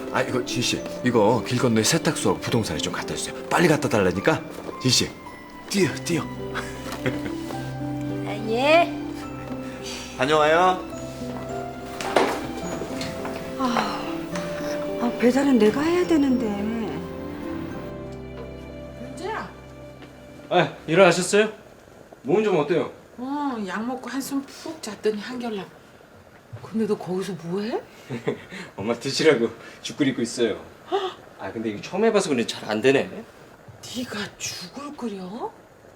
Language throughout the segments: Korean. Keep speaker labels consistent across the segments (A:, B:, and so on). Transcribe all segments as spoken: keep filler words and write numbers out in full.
A: 아 이거 지씨 이거 길 건너에 세탁소하고 부동산에 좀 갖다 주세요. 빨리 갖다 달라니까. 지씨 뛰어 뛰어.
B: 아, 예.
A: 다녀와요.
B: 아, 배달은 내가 해야 되는데.
C: 윤재야.
D: 아, 일어나셨어요? 몸은 좀 어때요?
C: 어, 약 먹고 한숨 푹 잤더니 한결날. 근데 너 거기서 뭐해?
D: 엄마 드시라고 죽 끓이고 있어요. 아, 근데 이거 처음 해봐서 그런지 잘 안 되네.
C: 네가 죽을 끓여?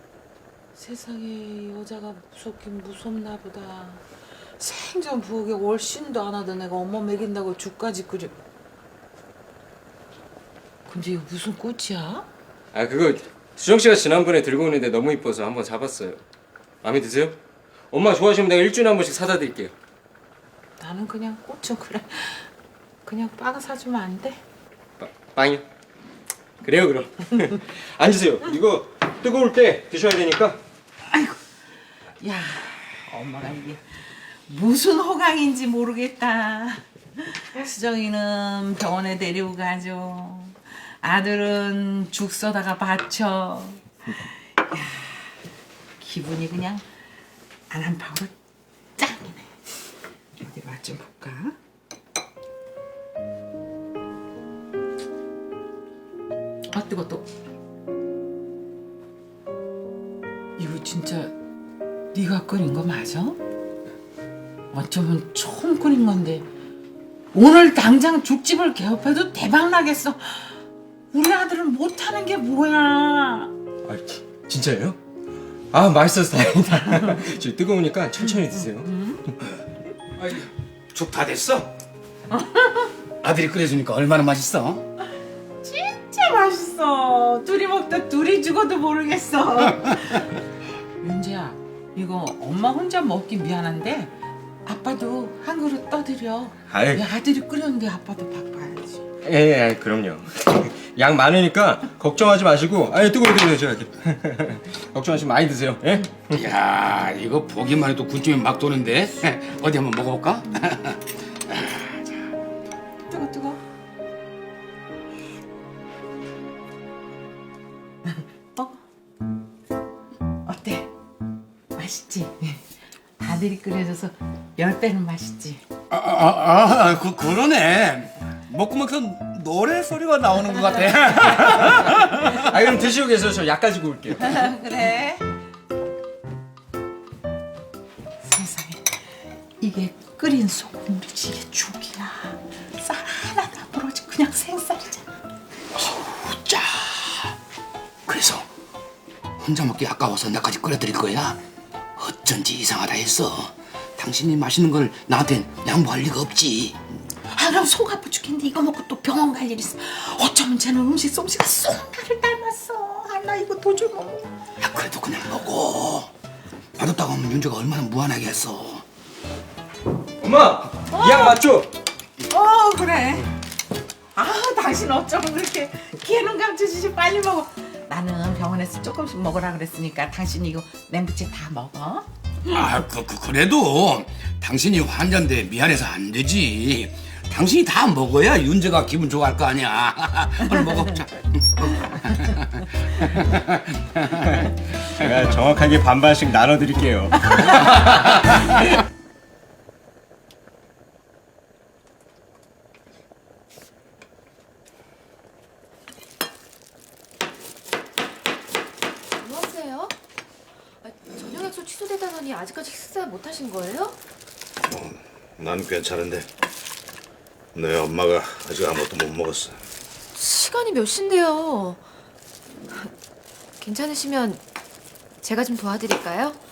C: 세상에 여자가 무섭긴 무섭나 보다. 생전 부엌에 월씬도 안 하던 애가 엄마 먹인다고 죽까지 끓여. 근데 이거 무슨 꽃이야?
D: 아, 그거 수정 씨가 지난번에 들고 오는데 너무 이뻐서 한번 잡았어요. 마음에 드세요? 엄마 좋아하시면 내가 일주일에 한 번씩 사다 드릴게요.
C: 나는 그냥 꽃은 그래. 그냥 빵 사주면 안 돼?
D: 빠, 빵이요? 그래요, 그럼. 앉으세요. 이거 뜨거울 때 드셔야 되니까.
C: 아이고, 야, 엄마가 이게 무슨 호강인지 모르겠다. 수정이는 병원에 데리고 가죠. 아들은 죽 써다가 바쳐. 야, 기분이 그냥 안한파로 짱이네. 어디 맛 좀 볼까? 아, 뜨거 또. 이거 진짜 네가 끓인 거 맞아? 어쩌면 처음 끓인 건데 오늘 당장 죽집을 개업해도 대박 나겠어. 우리 아들은 못하는 게 뭐야?
D: 아, 지- 진짜예요? 아, 맛있어서 다행이다. 저 뜨거우니까 천천히 드세요.
E: 죽 다 됐어? 아들이 끓여주니까 얼마나 맛있어?
C: 진짜 맛있어. 둘이 먹다 둘이 죽어도 모르겠어. 윤재야, 이거 엄마 혼자 먹기 미안한데 아빠도 한 그릇 떠드려.
D: 아이.
C: 왜 아들이 끓였는데 아빠도 바빠야지.
D: 예, 예, 그럼요. 양 많으니까 걱정하지 마시고, 아니 뜨거워 드세요, 제가 이렇게. 걱정하시면 많이 드세요. 예?
E: 이야, 이거 보기만 해도 군침이 막 도는데. 어디 한번 먹어볼까?
C: 뜨거 뜨거. 어? 어때? 맛있지? 아들이 끓여줘서 열 배는 맛있지.
E: 아, 아, 아, 그, 그러네. 먹고 먹서 노래 소리가 나오는 것 같아.
D: 아, 그럼 드시고 계세요. 저 약 가지고 올게요.
C: 그래. 세상에 이게 끓인 소금물이지 이게 죽이야. 쌀 하나도 안 부러지 그냥 생쌀이잖아.
E: 자, 그래서 혼자 먹기 아까워서 나까지 끓여드릴 거야. 어쩐지 이상하다 했어. 당신이 맛있는 걸 나한텐 양보할 리가 없지.
C: 아 그럼 속 아파 죽겠는데 이거 먹고 또 병원 갈 일 있어. 어쩌면 쟤는 음식 솜씨가 쏙 나를 닮았어. 아 나 이거 도저히 못 먹어.
E: 야, 그래도 그냥 먹어. 맛없다고 하면 윤주가 얼마나 무안하게 했어.
D: 엄마, 이 약 맞죠?
C: 어 그래. 아 당신 어쩌면 그렇게 기회는 감춰주지 빨리 먹어. 나는 병원에서 조금씩 먹으라 그랬으니까 당신 이거 냉부채 다 먹어.
E: 아, 그, 그, 그래도 당신이 환자인데 미안해서 안 되지. 당신이 다 먹어야 윤재가 기분 좋아할 거 아니야. 얼른 먹어. 자.
D: 제가 정확하게 반반씩 나눠드릴게요.
F: 뭐 하세요? 아, 저녁 약속 취소되다더니 아직까지 식사 못 하신 거예요?
G: 난 괜찮은데 너희 엄마가 아직 아무것도 못 먹었어.
F: 시간이 몇 시인데요? 괜찮으시면 제가 좀 도와드릴까요?